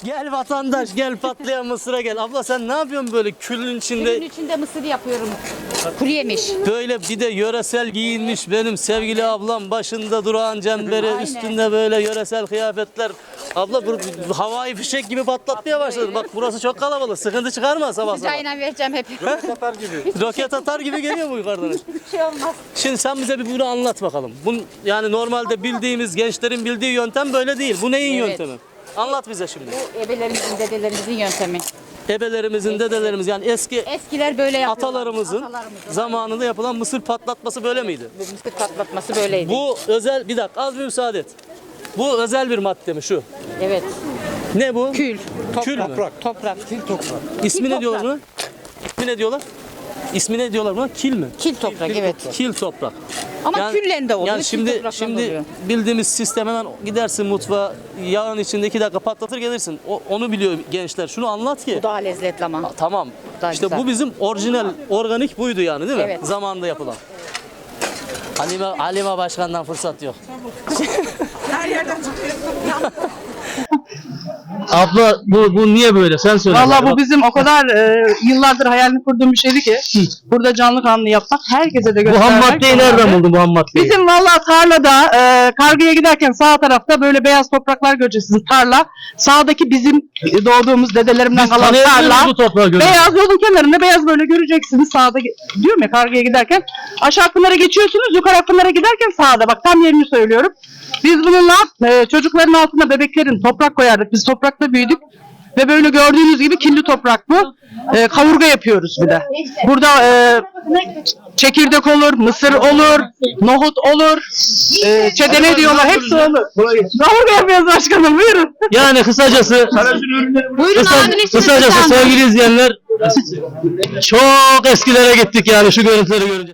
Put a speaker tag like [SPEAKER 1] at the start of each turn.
[SPEAKER 1] Gel vatandaş, gel patlayan mısıra gel. Abla sen ne yapıyorsun böyle külün içinde?
[SPEAKER 2] Külün içinde mısır yapıyorum. Kuru yemiş.
[SPEAKER 1] Böyle bir de yöresel giyinmiş benim sevgili ablam, başında durağan cemberi,
[SPEAKER 2] Aynen.
[SPEAKER 1] üstünde böyle yöresel kıyafetler. Abla bu havai fişek gibi patlatmaya başladı. Bak burası çok kalabalık. Sıkıntı çıkarma sabah sabah.
[SPEAKER 2] Sıcağıyla vereceğim hep.
[SPEAKER 1] Roket atar gibi geliyor mu yukarıdan?
[SPEAKER 2] Hiçbir şey olmaz.
[SPEAKER 1] Şimdi sen bize bir bunu anlat bakalım. Yani normalde bildiğimiz, gençlerin bildiği yöntem böyle değil. Bu neyin
[SPEAKER 2] Evet.
[SPEAKER 1] yöntemi? Anlat bize şimdi.
[SPEAKER 2] Bu ebelerimizin, dedelerimizin yöntemi.
[SPEAKER 1] Ebelerimizin, dedelerimiz yani eski
[SPEAKER 2] Eskiler böyle yapıyorlar.
[SPEAKER 1] atalarımızın zamanında yapılan mısır patlatması böyle miydi?
[SPEAKER 2] Bu mısır patlatması böyleydi.
[SPEAKER 1] Bu özel, bir dakika az bir müsaade et. Bu özel bir madde mi şu?
[SPEAKER 2] Evet.
[SPEAKER 1] Ne bu?
[SPEAKER 2] Kül.
[SPEAKER 1] Kül mü?
[SPEAKER 2] Toprak.
[SPEAKER 1] İsmi ne
[SPEAKER 2] Kil
[SPEAKER 1] diyorlar
[SPEAKER 2] toprak.
[SPEAKER 1] buna? İsmi ne diyorlar? İsmi ne diyorlar buna? Kil mi?
[SPEAKER 2] Kil toprak, evet.
[SPEAKER 1] Kil toprak.
[SPEAKER 2] Ama küllen de oluyor.
[SPEAKER 1] Yani
[SPEAKER 2] kil
[SPEAKER 1] şimdi
[SPEAKER 2] toprakla da oluyor.
[SPEAKER 1] bildiğimiz sistem, hemen gidersin mutfağa, yağın içinde 2 dakika patlatır gelirsin. Onu biliyor gençler. Şunu anlat ki.
[SPEAKER 2] Bu daha lezzetli ama.
[SPEAKER 1] Tamam.
[SPEAKER 2] Daha
[SPEAKER 1] İşte
[SPEAKER 2] güzel.
[SPEAKER 1] bu bizim orijinal, organik buydu yani değil mi?
[SPEAKER 2] Evet.
[SPEAKER 1] Zamanında yapılan. Halime Başkan'dan fırsat yok. Abla bu niye böyle? Sen söyle.
[SPEAKER 3] Vallahi bu bizim o kadar yıllardır hayalini kurduğum bir şeydi ki burada canlı kanlı yapmak, herkese de
[SPEAKER 1] Bu
[SPEAKER 3] göstermek.
[SPEAKER 1] ham maddeyi
[SPEAKER 3] zorunda.
[SPEAKER 1] nereden buldun bu ham maddeyi?
[SPEAKER 3] Bizim vallahi tarlada kargıya giderken sağ tarafta böyle beyaz topraklar göreceksiniz, tarla. Sağdaki bizim doğduğumuz dedelerimden kalan
[SPEAKER 1] Tanıyabiliyor musun
[SPEAKER 3] tarla.
[SPEAKER 1] bu toprağı görüyorsun?
[SPEAKER 3] Beyaz yolun kenarında beyaz böyle göreceksiniz sağda, diyorum ya, kargıya giderken aşağı Akpınar'a geçiyorsunuz, yukarı Akpınar'a giderken sağda, bak tam yerini söylüyorum. Biz bununla çocukların altına, bebeklerin toprak koyardık. Biz toprakta büyüdük. Ve böyle gördüğünüz gibi kirli toprak bu. Kavurga yapıyoruz bir de. Burada çekirdek olur, mısır olur, nohut olur, çedene diyorlar, hepsi olur. Kavurga yapıyoruz başkanım, buyurun.
[SPEAKER 1] Yani kısacası
[SPEAKER 2] Buyurun abiniz.
[SPEAKER 1] kısacası sevgili izleyenler çok eskilere gittik yani şu görüntüleri görünce.